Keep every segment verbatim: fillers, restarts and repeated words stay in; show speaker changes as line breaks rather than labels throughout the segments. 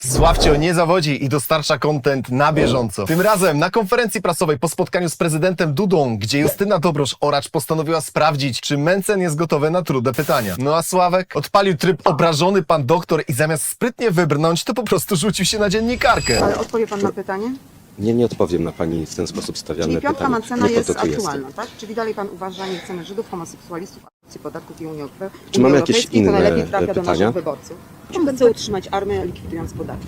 Sławcio nie zawodzi i dostarcza content na bieżąco. Tym razem na konferencji prasowej po spotkaniu z prezydentem Dudą, gdzie Justyna Dobrosz-Oracz postanowiła sprawdzić, czy Mencen jest gotowy na trudne pytania. No a Sławek odpalił tryb obrażony pan doktor i zamiast sprytnie wybrnąć, to po prostu rzucił się na dziennikarkę.
Ale odpowie pan na pytanie?
Nie, nie odpowiem na pani w ten sposób stawiane
Czyli piątka
pytanie.
Mencena
Nie po
jest
to tu
aktualna,
jestem.
tak? Czyli dalej pan uważa, nie chcemy Żydów, homoseksualistów, akcji podatków i Unii Europejskiej.
Czy mamy jakieś
to
inne
najlepiej trafia do
pytania?
naszych wyborców. On chce utrzymać armię, likwidując podatki.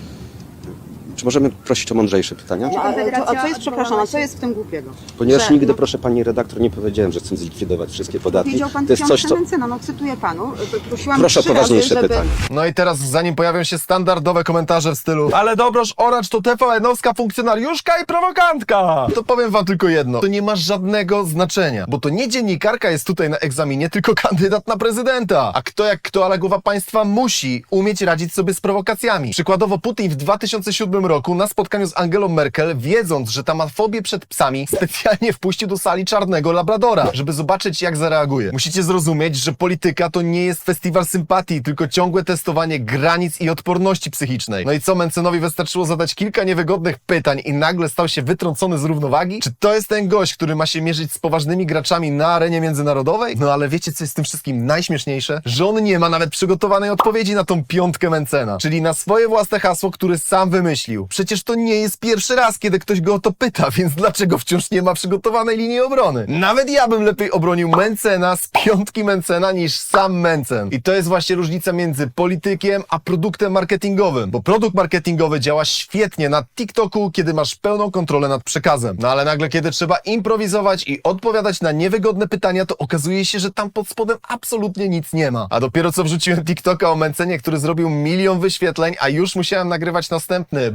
Czy możemy prosić o mądrzejsze pytania?
No, ale to, a co jest, przepraszam, a co jest w tym głupiego?
Ponieważ
Że,
nigdy,
no,
proszę pani redaktor, nie powiedziałem, że chcę zlikwidować wszystkie podatki.
Powiedział pan
To jest coś, co...
Mencena, no cytuję panu. Prosiłam
Proszę o
trzy razy,
poważniejsze
żeby...
pytanie.
No i teraz zanim pojawią się standardowe komentarze w stylu ale Dobrosz-Oracz to T V N-owska funkcjonariuszka i prowokantka, to powiem wam tylko jedno. To nie ma żadnego znaczenia, bo to nie dziennikarka jest tutaj na egzaminie, tylko kandydat na prezydenta. A kto jak kto, ale głowa państwa musi umieć radzić sobie z prowokacjami. Przykładowo Putin w dwa tysiące siódmym roku na spotkaniu z Angelą Merkel, wiedząc, że ta ma fobię przed psami, specjalnie wpuścił do sali czarnego labradora, żeby zobaczyć jak zareaguje. Musicie zrozumieć, że polityka to nie jest festiwal sympatii, tylko ciągłe testowanie granic i odporności psychicznej. No i co, Mencenowi wystarczyło zadać kilka niewygodnych pytań i nagle stał się wytrącony z równowagi? Czy to jest ten gość, który ma się mierzyć z poważnymi graczami na arenie międzynarodowej? No ale wiecie, co jest w tym wszystkim najśmieszniejsze? Że on nie ma nawet przygotowanej odpowiedzi na tą piątkę Mencena, czyli na swoje własne hasło, które sam wymyślił. Przecież to nie jest pierwszy raz, kiedy ktoś go o to pyta, więc dlaczego wciąż nie ma przygotowanej linii obrony? Nawet ja bym lepiej obronił Mencena z piątki Mencena niż sam Mencen. I to jest właśnie różnica między politykiem a produktem marketingowym, bo produkt marketingowy działa świetnie na TikToku, kiedy masz pełną kontrolę nad przekazem. No ale nagle, kiedy trzeba improwizować i odpowiadać na niewygodne pytania, to okazuje się, że tam pod spodem absolutnie nic nie ma. A dopiero co wrzuciłem TikToka o Mencenie, który zrobił milion wyświetleń, a już musiałem nagrywać następny,